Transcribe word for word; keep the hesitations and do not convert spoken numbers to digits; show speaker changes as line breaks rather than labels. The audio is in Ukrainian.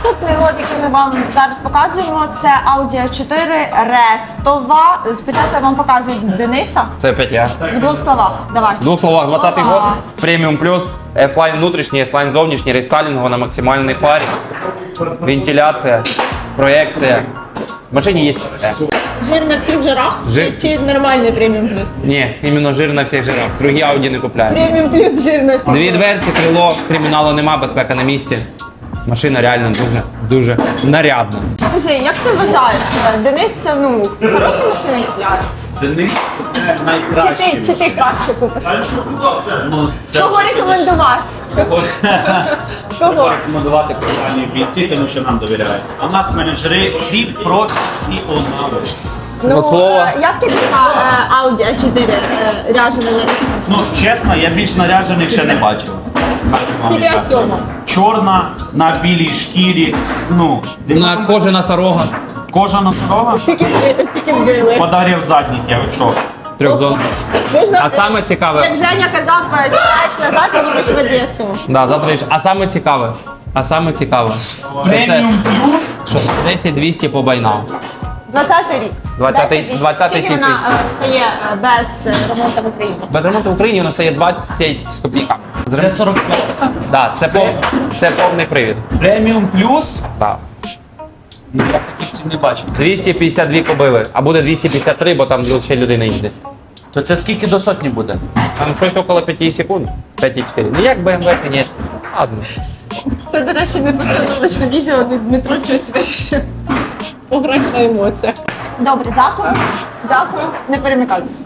Наступний лот, який ми вам зараз показуємо, це Audi а чотири Рестова. Спочатку я вам показую Дениса.
Це опять я.
В двох словах, давай.
В двох словах, двадцятий
Ага.
год, преміум плюс, S-Line внутрішній, S-Line зовнішній, рестайлінгово на максимальній фарі, вентиляція, проекція. В машині є все.
Жир на всіх жирах?
Жир-
Чи, чи нормальний преміум плюс?
Ні, іменно жир на всіх жирах. Другі Audi не купляють.
Преміум плюс жир на всіх.
Дві дверці, крило, криміналу нема, безпека на місці. Машина реально дуже, дуже нарядна.
Скажи, як ти вважаєш, Денис, ну, хороші машини купляє?
Денис це
Чи
найкраще.
ти, чи ти краще купиш?
Ну, це
Кого рекомендувати? Кого?
рекомендувати компанію бійці, тому що нам довіряють. А в нас менеджери всі профі, всі однакові.
Ну,
От слово.
е, як ти на е, Audi а чотири е, ряжена на
Ну, чесно, я більш наряджених ще не бачив. Скажу вам
Тільки
відверто.
сьома.
Чорна, на білій шкірі, ну,
На кожа носорога,
кожа носорога,
Тільки, тільки вбили.
подарив задніх, я ви що?
трьохзон.
Можна,
А саме цікаве,
як Женя казав, е, сідаєш назад і їдеш в Одесу.
да, завтра їж. А саме цікаве, а саме цікаве, що це
Преміум плюс.
що десять двісті по байнам.
двадцятий рік.
двадцятий
десять,
двадцятий
Скільки вона е, стає е, без е, ремонту в Україні?
Без ремонту в Україні вона стає двадцять з копійками.
Це сорок п'ять.
Да, це, пов... це повний привід.
Преміум плюс.
Да.
Ну, я таких цін не бачив.
двісті п'ятдесят дві кобили, а буде двісті п'ятдесят три, бо там ще людина їде.
То це скільки до сотні буде?
Там щось около п'ять секунд, п'ять цілих чотири. Ну як Б М В, звісно. Ладно.
Це, до речі, не постановочне відео, але Дмитро щось вирішив пограти на емоціях. Добре, дякую. Дякую. Не перемикайтеся.